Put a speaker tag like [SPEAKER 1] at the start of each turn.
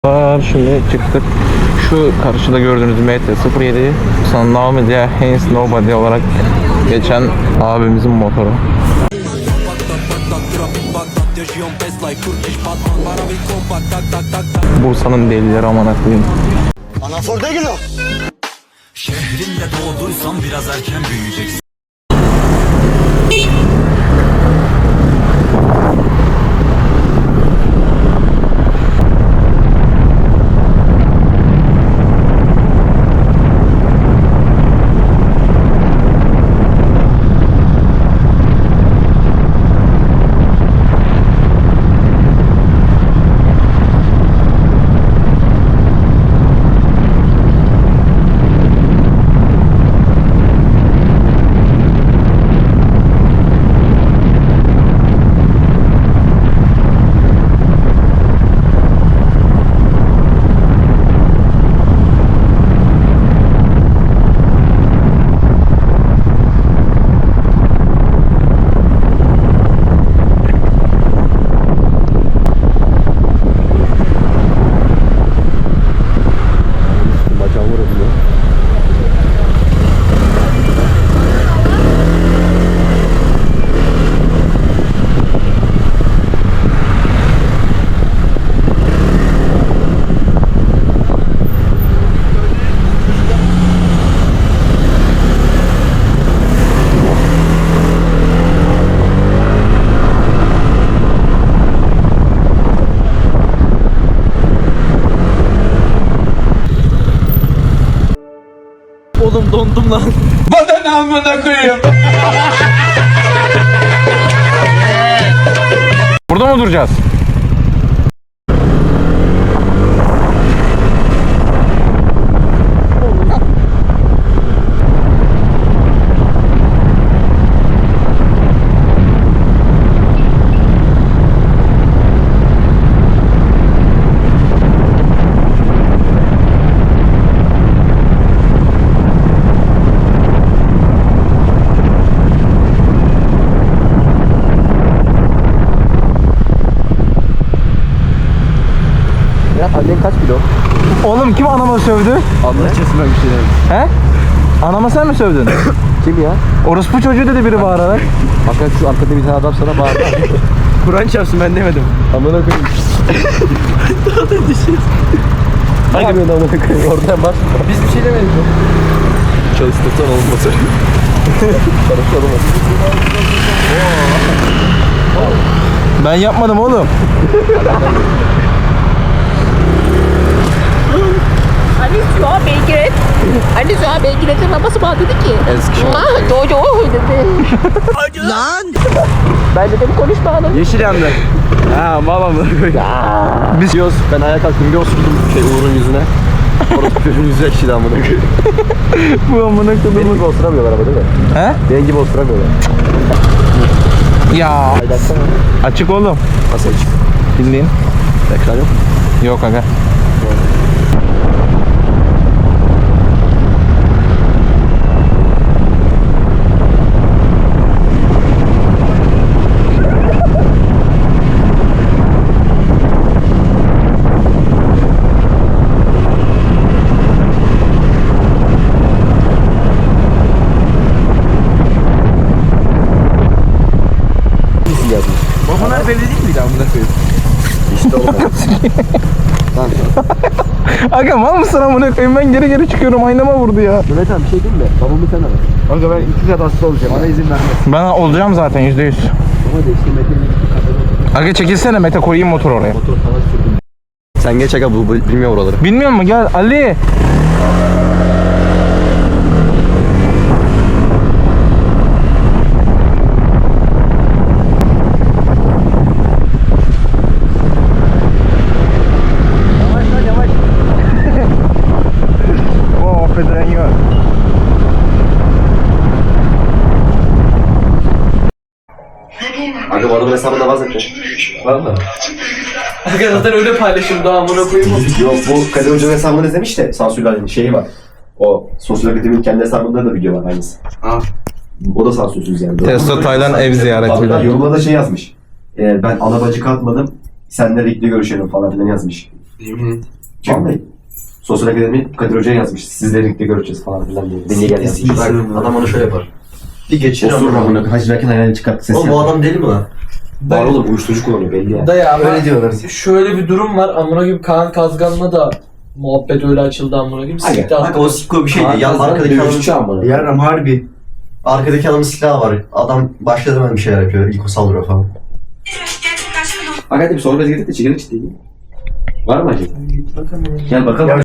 [SPEAKER 1] Şimdi çıktık. Şu karşıda gördüğünüz MT-07 sonra Naomi diye Haynes Nobody olarak geçen abimizin motoru. Bursa'nın delileri aman akıyım.
[SPEAKER 2] Anaforda geliyor.
[SPEAKER 3] Şehrinde doğduysan biraz erken büyüyeceksin.
[SPEAKER 1] Oğlum dondum lan.
[SPEAKER 4] Bana amına koyayım.
[SPEAKER 1] Burada mı duracağız?
[SPEAKER 2] Annen kaç kilo?
[SPEAKER 1] Oğlum kim anama sövdü?
[SPEAKER 2] Allah kesin ben bir şey demedim.
[SPEAKER 1] He? Anama sen mi sövdün?
[SPEAKER 2] Kim ya?
[SPEAKER 1] Orospu çocuğu dedi biri bağırarak.
[SPEAKER 2] Hakikaten şu arkada bir tane adam sana bağırdı.
[SPEAKER 1] Kur'an çarpsın ben demedim.
[SPEAKER 2] Amına koyayım. Daha da düşün. Hangi amına koyayım? Oradan bak. Biz bir şey demedik. Çalıştırsan olmaz. Çalıştır olmaz.
[SPEAKER 1] Ben yapmadım oğlum.
[SPEAKER 5] Hani şu an Belgrat. Hani şu an Belgrat'ın babası bana dedi ki.
[SPEAKER 2] Eskişehir.
[SPEAKER 5] Dojo dedi. Lan. Ben dedim konuşma hanım.
[SPEAKER 2] Yeşil yandı. Ha babam. Biz yiyoruz. Ben ayağa kalktım. Bir osurdum Uğur'un yüzüne. Orası çocuğun yüzü ekşidi amına koyayım.
[SPEAKER 1] Bu amına
[SPEAKER 2] Benim
[SPEAKER 1] kodumu.
[SPEAKER 2] gibi osuramıyorlar ama değil mi?
[SPEAKER 1] He?
[SPEAKER 2] Benim gibi osuramıyorlar.
[SPEAKER 1] Ya
[SPEAKER 2] Aydaksana.
[SPEAKER 1] açık oğlum.
[SPEAKER 2] Nasıl açık?
[SPEAKER 1] Bildiğin.
[SPEAKER 2] Ekran yok.
[SPEAKER 1] Yok aga.
[SPEAKER 2] Nasıl yazmış?
[SPEAKER 1] Babalar belli değil miydi amına koyayım?
[SPEAKER 2] İşte olmaz. Lan.
[SPEAKER 1] Aga mal mısın amına koyayım, ben geri geri çıkıyorum, aynama vurdu ya.
[SPEAKER 2] Mehmet abi bir şey diyeyim mi? Babamı sen ara. Kanka ben 2 kat hasta olacağım. Bana izin vermez.
[SPEAKER 1] Ben olacağım zaten %100.
[SPEAKER 2] Ama de işte Mete'nin 2 katı.
[SPEAKER 1] Aga çekilsene Mete, koyayım motoru oraya.
[SPEAKER 2] Motor sana sürdüm. Sen geç aga bu bilmiyor oraları.
[SPEAKER 1] Bilmiyor musun? Gel Ali.
[SPEAKER 2] Yavaş lan yavaş.
[SPEAKER 1] Oh Pedreño.
[SPEAKER 2] Aga bu arada hesabında vazgeçtim. Var mı?
[SPEAKER 4] Aga zaten öyle paylaşım daha amına koyayım.
[SPEAKER 2] Yok bu Kadir Hoca'nın hesabını izlemiş de sansürler şeyi var. O sosyal akademinin kendi hesabında da video var aynısı.
[SPEAKER 4] Ha.
[SPEAKER 2] O da sansürsüz yani.
[SPEAKER 1] Testo Taylan ev ziyareti
[SPEAKER 2] Hatta
[SPEAKER 1] bile.
[SPEAKER 2] yorumda da şey yazmış. Ben ana bacı katmadım. Seninle renkli görüşelim falan filan yazmış. Yemin et.
[SPEAKER 6] Vallahi. Sosyal akademi Kadir Hoca yazmış. Sizle birlikte göreceğiz falan filan diye. Deneye gel yazmış.
[SPEAKER 2] Adam onu şöyle yapar. Bir geçir
[SPEAKER 6] Osurur amına. Hacı Berk'in ayağını çıkarttı sesi.
[SPEAKER 2] Oğlum bu adam deli mi lan?
[SPEAKER 6] Var oğlum uyuşturucu kullanıyor belli ya.
[SPEAKER 4] Dayı ama
[SPEAKER 2] Öyle diyorlar.
[SPEAKER 4] şöyle bir durum var. Amına gibi Kaan Kazgan'la da muhabbet öyle açıldı amına gibi.
[SPEAKER 6] Aga,
[SPEAKER 4] Sikti
[SPEAKER 2] Kanka
[SPEAKER 4] attı.
[SPEAKER 2] o sikko bir şeydi. Yan arkadaki
[SPEAKER 6] dövüşçü
[SPEAKER 2] adamın...
[SPEAKER 6] amına.
[SPEAKER 2] Yarram harbi. Arkadaki adamın silahı var. Adam başladı hemen bir şeyler yapıyor. İlk o saldırıyor falan.
[SPEAKER 6] Hakikaten bir sohbet gidip de çekirdek ciddi. Var mı acaba? Gel bakalım.